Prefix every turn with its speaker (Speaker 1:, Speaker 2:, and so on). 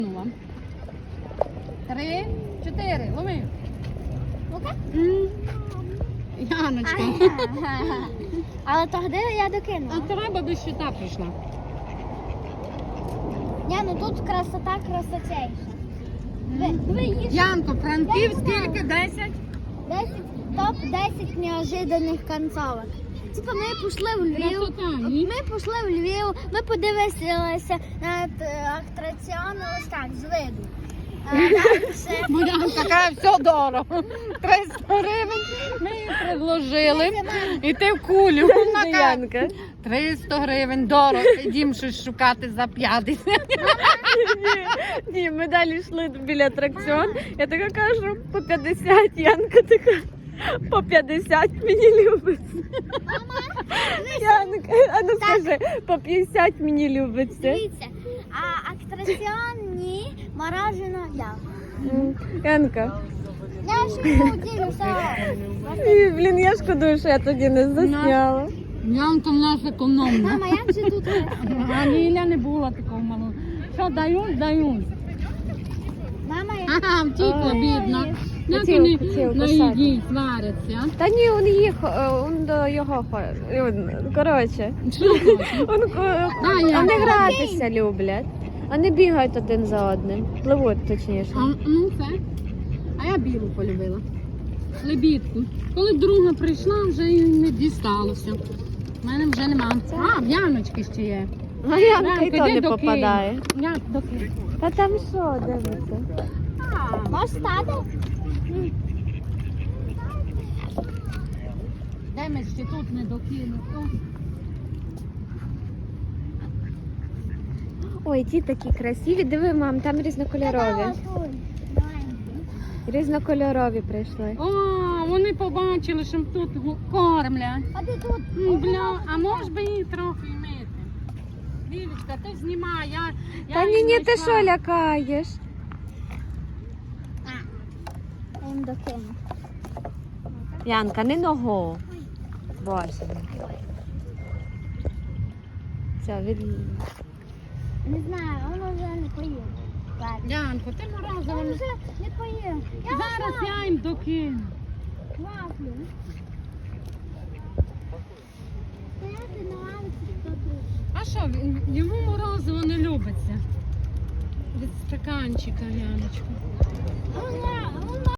Speaker 1: 3, 4, лови.
Speaker 2: Ну-ка.
Speaker 1: Яночка.
Speaker 2: Але тоді я докинула.
Speaker 1: А треба би щита прийшла.
Speaker 2: Ну тут красота красотейша. Ви їж.
Speaker 1: Янко, Франків скільки? 10?
Speaker 2: 10, топ-10 неожиданних концовок. Типа ми пішли в Львів,
Speaker 1: Красота, ні?
Speaker 2: ми подивилися на атракціони ось так, з виду. Дальше.
Speaker 1: Янка каже, все дорого. 300 гривень ми їй предложили. І ти в кулю. Вона каже, 300 гривень, дорого. Ідім щось шукати за 50.
Speaker 3: Ні, ми далі йшли біля атракціон. Я така кажу, по 50, Янка така, по 50 мені любиться. Янка, а ну скажи, по 50 мені любиться.
Speaker 2: Дивіться, а атракціон ні, морожено я.
Speaker 3: Янка,
Speaker 2: Я ще не удивлюся.
Speaker 3: і, блін, я шкодую, що я тоді не засняла.
Speaker 1: Янка в нас економна.
Speaker 2: Мама, як же тут?
Speaker 1: А Ліля не була такого малого. Що дають, дають.
Speaker 2: Мама, як
Speaker 1: Ага, втікла, бідна. Як
Speaker 3: Хотів
Speaker 1: вони на
Speaker 3: кусати.
Speaker 1: їдій сваряться.
Speaker 3: Та ні, він до його ходить. Коротше,
Speaker 1: Що хочеш?
Speaker 3: Вони гратися люблять. Вони бігають один за одним. Пливуть точніше.
Speaker 1: Ну це. А я білу полюбила. Лебідку. Коли друга прийшла, вже і не дісталося. У мене вже нема. А, в Яночки ще є.
Speaker 3: А Янка і
Speaker 1: Янка,
Speaker 3: то
Speaker 1: йди
Speaker 3: не
Speaker 1: до
Speaker 3: попадає.
Speaker 1: Києва. Я до Києва.
Speaker 3: Та там що, дивиться?
Speaker 2: можеш стати?
Speaker 1: Де ми ще тут не докинули?
Speaker 3: Ой, ті такі красиві. Диви, мам, там різнокольорові. Різнокольорові прийшли.
Speaker 1: О, вони побачили, що тут кормлять.
Speaker 2: А ти тут?
Speaker 1: Бля, а може би її трохи мити? Лілечка, ти знімай, я
Speaker 3: Та ні,
Speaker 1: її
Speaker 3: ні, ти
Speaker 1: знайшла.
Speaker 3: що лякаєш?
Speaker 2: Я їм докину.
Speaker 3: Янка, не ногу. Боже. Все, від...
Speaker 2: Не знаю, воно вже не поїв.
Speaker 1: Янко, ти морозиво.
Speaker 2: Він вже не поїв. Я
Speaker 1: Зараз я їм докину.
Speaker 2: вафлю. Стояти на лавці тут.
Speaker 1: А що, йому морозиво не любиться? Від стаканчика, Яночка.
Speaker 2: Вона